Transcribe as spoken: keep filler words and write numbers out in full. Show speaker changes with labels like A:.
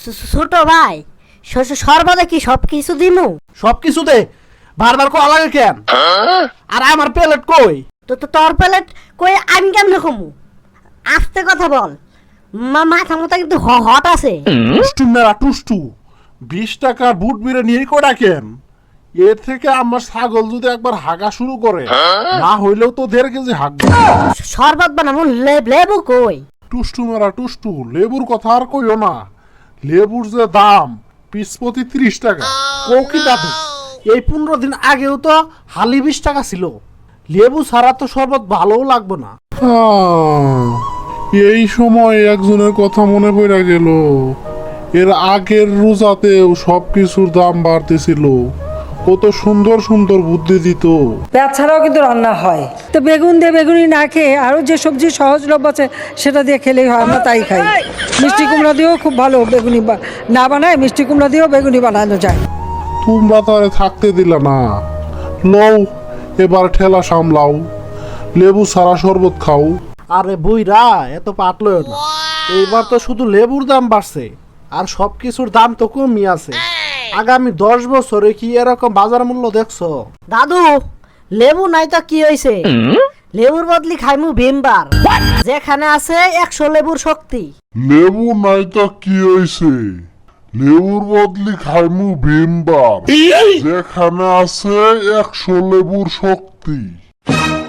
A: ছোট ভাই সর্বদা কি সব কিছু দিমু?
B: সব কিছু দে, বারবার কো লাগে কেন? আর আমার প্লেট কই?
A: তো তো তোর প্লেট কই আমি কেমনে কমু? আস্তে কথা বল, মা মাথা মতো কিন্তু হ- হট আছে।
C: টুষ্টু মেরা টুষ্টু, বিশ টাকার বুট বিরে নিয়ে কটা কেন? এর থেকে আমার ছাগল যদি একবার হাগা শুরু করে, না হইলেও তো দেড় কেজি হাগবে।
A: শরবত বানাবো, লে- লেবু কই?
C: টুষ্টু মেরা টুষ্টু, লেবুর কথা আর কইও না। লেবুর যে দাম পিস প্রতি ত্রিশ টাকা।
B: কো কি দাদু, এই পনেরো দিন আগেও তো হালি বিশ টাকা ছিল। লেবু ছাড়া তো শরবত ভালোও লাগবে না।
C: আহ, এই সময় একজনের কথা মনে পড়ে গেল। এর আগের রোজাতেও সব কিছুর দাম বাড়তেছিল। কত সুন্দর সুন্দর বুদ্ধি দিত।
D: পেঁয়াজ ছাড়াও কিন্তু রান্না হয়। তো বেগুন দিয়ে বেগুনি না খেয়ে আরও যে সবজি সহজলভ্য আছে সেটা দিয়ে খেলেই হয়, আমরা তাই খাই। মিষ্টি কুমড়া দিয়েও খুব ভালো বেগুনি বা- না বানায়, মিষ্টি কুমড়া দিয়েও বেগুনি বানানো যায়।
C: তোমরা তারে থাকতে দিলা না। লও, এবার ঠেলা সামলাও, লেবু সারা শরবত খাও।
B: আরে বুইরা এত পাতলো না, এইবার তো শুধু লেবুর দাম বাড়ছে, আর সব কিছুর দাম তো কমই আছে। আগামী দশ বছরে কি এরকম বাজার মূল্য দেখছো?
A: দাদু, লেবু নাই তো কি হইছে? লেবুর বদলি খাইমু ভিমবার, যেখানে আছে একশো লেবুর শক্তি।
C: লেবু নাই তা কি হইছে? লেবুর বদলি খাইমু ভীমবার, যেখানে আছে একশো লেবুর শক্তি।